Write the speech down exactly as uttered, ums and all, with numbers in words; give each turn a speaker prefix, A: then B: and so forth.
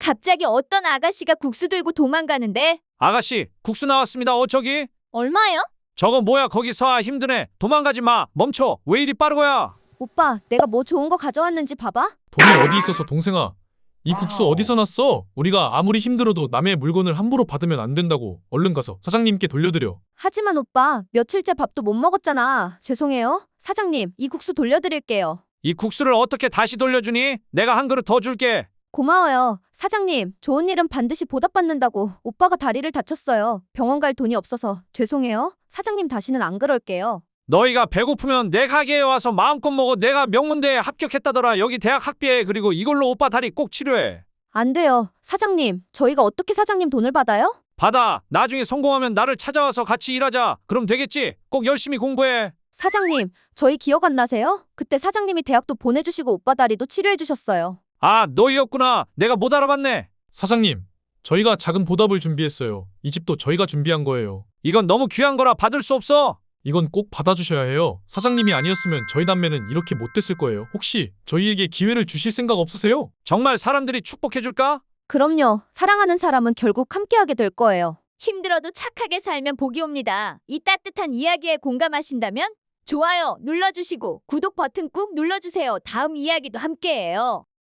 A: 갑자기 어떤 아가씨가 국수 들고 도망가는데?
B: 아가씨, 국수 나왔습니다. 어, 저기.
A: 얼마요?
B: 저거 뭐야, 거기서. 아, 힘드네. 도망가지 마. 멈춰. 왜 이리 빠르고야?
A: 오빠, 내가 뭐 좋은 거 가져왔는지 봐봐.
C: 돈이 어디 있어서 동생아. 이 국수 어디서 났어? 우리가 아무리 힘들어도 남의 물건을 함부로 받으면 안 된다고. 얼른 가서 사장님께 돌려드려.
A: 하지만 오빠, 며칠째 밥도 못 먹었잖아. 죄송해요. 사장님, 이 국수 돌려드릴게요.
B: 이 국수를 어떻게 다시 돌려주니? 내가 한 그릇 더 줄게.
A: 고마워요. 사장님, 좋은 일은 반드시 보답받는다고 오빠가 다리를 다쳤어요. 병원 갈 돈이 없어서 죄송해요. 사장님 다시는 안 그럴게요.
B: 너희가 배고프면 내 가게에 와서 마음껏 먹어. 내가 명문대에 합격했다더라. 여기 대학 학비에. 그리고 이걸로 오빠 다리 꼭 치료해.
A: 안 돼요. 사장님, 저희가 어떻게 사장님 돈을 받아요?
B: 받아. 나중에 성공하면 나를 찾아와서 같이 일하자. 그럼 되겠지? 꼭 열심히 공부해.
A: 사장님, 저희 기억 안 나세요? 그때 사장님이 대학도 보내주시고 오빠 다리도 치료해 주셨어요.
B: 아, 너희였구나. 내가 못 알아봤네.
C: 사장님, 저희가 작은 보답을 준비했어요. 이 집도 저희가 준비한 거예요.
B: 이건 너무 귀한 거라 받을 수 없어.
C: 이건 꼭 받아주셔야 해요. 사장님이 아니었으면 저희 남매는 이렇게 못 됐을 거예요. 혹시 저희에게 기회를 주실 생각 없으세요?
B: 정말 사람들이 축복해줄까?
A: 그럼요. 사랑하는 사람은 결국 함께하게 될 거예요. 힘들어도 착하게 살면 복이 옵니다. 이 따뜻한 이야기에 공감하신다면 좋아요 눌러주시고 구독 버튼 꾹 눌러주세요. 다음 이야기도 함께해요.